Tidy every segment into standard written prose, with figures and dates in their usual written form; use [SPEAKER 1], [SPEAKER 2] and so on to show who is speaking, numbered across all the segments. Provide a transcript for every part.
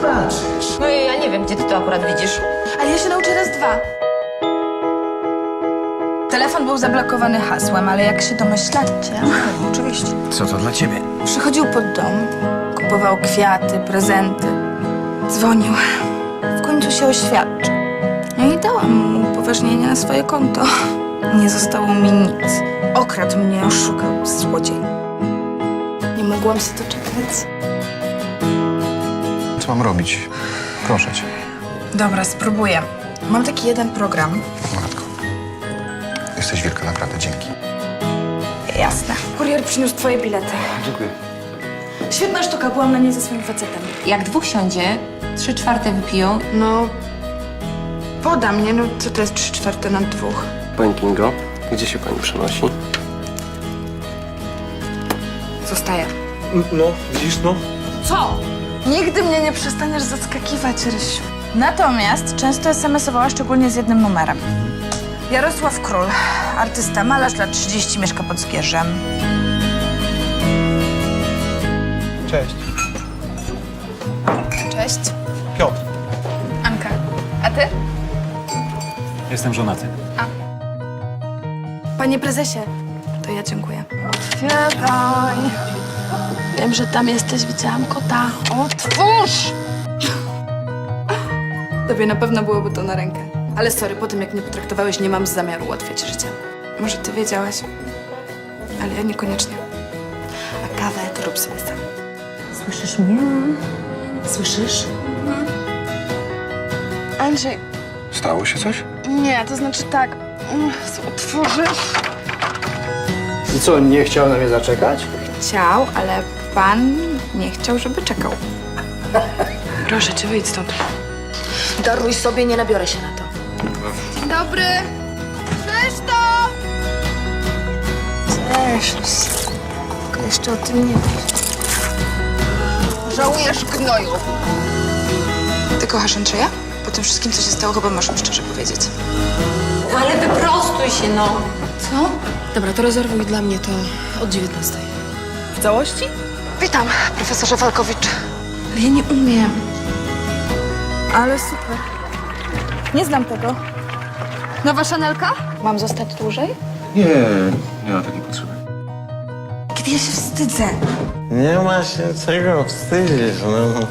[SPEAKER 1] zobaczysz.
[SPEAKER 2] No ja nie wiem, gdzie ty to akurat widzisz.
[SPEAKER 3] Ale ja się nauczę raz, dwa. Telefon był zablokowany hasłem, ale jak się domyślacie... Oczywiście.
[SPEAKER 1] Co to dla ciebie?
[SPEAKER 3] Przychodził pod dom, kupował kwiaty, prezenty. Dzwonił. W końcu się oświadczył. No i dałam mu upoważnienie na swoje konto. Nie zostało mi nic. Okradł mnie, oszukał, złodziej. Nie mogłam się doczekać.
[SPEAKER 1] Co mam robić? Proszę cię.
[SPEAKER 3] Dobra, spróbuję. Mam taki jeden program.
[SPEAKER 1] Matko. Jesteś wielka, naprawdę. Dzięki.
[SPEAKER 3] Jasne. Kurier przyniósł twoje bilety.
[SPEAKER 1] Dziękuję.
[SPEAKER 3] Świetna sztuka, byłam na niej ze swoim facetem.
[SPEAKER 2] Jak dwóch siądzie, 3/4 wypiją.
[SPEAKER 3] No, poda mnie, no co to jest 3/4 na 2?
[SPEAKER 4] Pani Kingo, gdzie się pani przenosi?
[SPEAKER 3] Zostaję.
[SPEAKER 5] No, widzisz, no.
[SPEAKER 3] Co? Nigdy mnie nie przestaniesz zaskakiwać, Rysiu. Natomiast często SMS-owała szczególnie z jednym numerem. Jarosław Król, artysta, malarz, lat 30, mieszka pod Zgierzem.
[SPEAKER 5] Cześć.
[SPEAKER 3] Cześć.
[SPEAKER 5] Piotr.
[SPEAKER 3] Anka. A ty?
[SPEAKER 5] Jestem żonaty.
[SPEAKER 3] Panie prezesie, to ja dziękuję. Otwieraj. Wiem, że tam jesteś, widziałam kota. Otwórz! Tobie na pewno byłoby to na rękę. Ale sorry, po tym jak mnie potraktowałeś, nie mam zamiaru ułatwiać życia. Może ty wiedziałaś, ale ja niekoniecznie. A kawę to rób sobie sam.
[SPEAKER 2] Słyszysz mnie? Słyszysz?
[SPEAKER 6] Andrzej,
[SPEAKER 1] Stało się coś?
[SPEAKER 6] nie, to znaczy tak. Otworzysz?
[SPEAKER 5] I co, nie chciał na mnie zaczekać?
[SPEAKER 3] Chciał, ale pan nie chciał, żeby czekał. Proszę cię, wyjdź stąd.
[SPEAKER 2] Daruj sobie, nie nabiorę się na to.
[SPEAKER 3] Dzień dobry. Cześć to! Cześć. Tylko jeszcze o tym nie wiesz. Żałujesz, gnoju. Ty kochasz Andrzeja? Po tym wszystkim, co się stało, chyba masz mi szczerze powiedzieć.
[SPEAKER 2] Ale wyprostuj się, no.
[SPEAKER 3] Co?
[SPEAKER 6] Dobra, to rezerwuj dla mnie to od 19.
[SPEAKER 3] W całości?
[SPEAKER 6] Witam, profesorze Walkowicz.
[SPEAKER 3] Ale ja nie umiem. Ale super. Nie znam tego. Nowa Chanelka? Mam zostać dłużej?
[SPEAKER 1] Nie ma takiej potrzeby.
[SPEAKER 3] Kiedy ja się wstydzę.
[SPEAKER 7] Nie ma się czego wstydzić, no.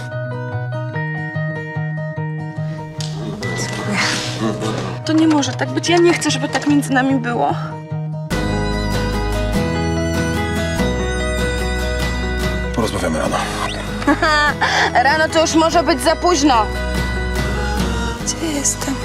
[SPEAKER 6] To nie może tak być. Ja nie chcę, żeby tak między nami było.
[SPEAKER 1] Porozmawiamy rano.
[SPEAKER 6] Rano to już może być za późno.
[SPEAKER 3] Gdzie jestem?